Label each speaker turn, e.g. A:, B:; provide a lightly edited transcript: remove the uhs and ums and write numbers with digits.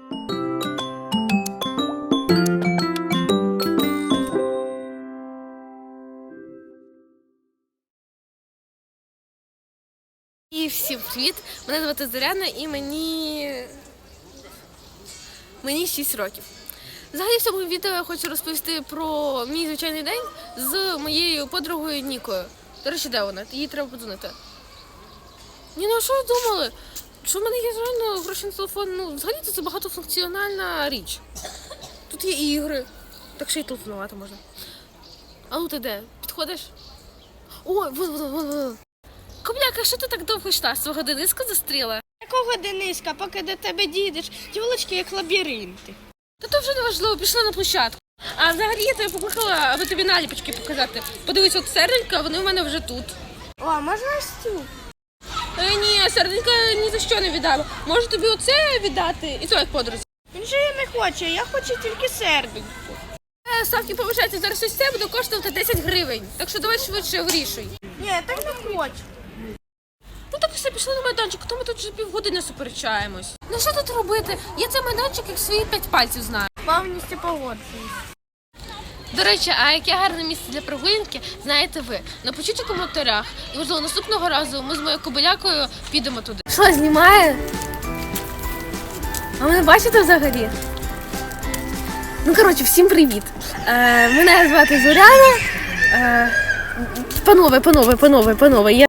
A: І всім привіт! Мене звати Зоряна і мені 6 років. Взагалі в цьому відео я хочу розповісти про мій звичайний день з моєю подругою Нікою. До речі, де вона? Їй треба подзвонити. Ні, ну а що ви думали? Що в мене є реально гроші на телефон? Ну, взагалі це багатофункціональна річ. Тут є ігри, так ще й телефонувати можна. А ну ти де? Підходиш? Ой, вон. Кобляка, що ти так довго йшла? Свого Дениска застріла?
B: Якого Дениска, поки до тебе дійдеш, тілочки як лабіринти.
A: Та то вже не важливо, пішла на площадку. А взагалі я тебе покликала, аби тобі наліпочки показати. Подивись, от серденька, вони в мене вже тут.
B: О, можна ось цю?
A: Ні, серденька ні за що не віддам. Можу тобі оце віддати, і то як подрузі.
B: Він же її не хоче, я хочу тільки серденьку.
A: Ставки повишаються, зараз ось це буде коштувати 10 гривень. Так що давай швидше вирішуй.
B: Ні, я так не хочу.
A: Ну так все, пішли на майданчик, то ми тут вже півгодини суперечаємось. Ну що тут робити? Я цей майданчик як свої 5 пальців знаю.
B: Повністю погоджуюсь.
A: До речі, а яке гарне місце для прогулянки, знаєте ви. Напишіть у коментарях. І, можливо, наступного разу ми з моєю кобилякою підемо туди. Що, знімає? А мене бачите взагалі? Ну, коротше, всім привіт. Мене звати Зоряна. Панове.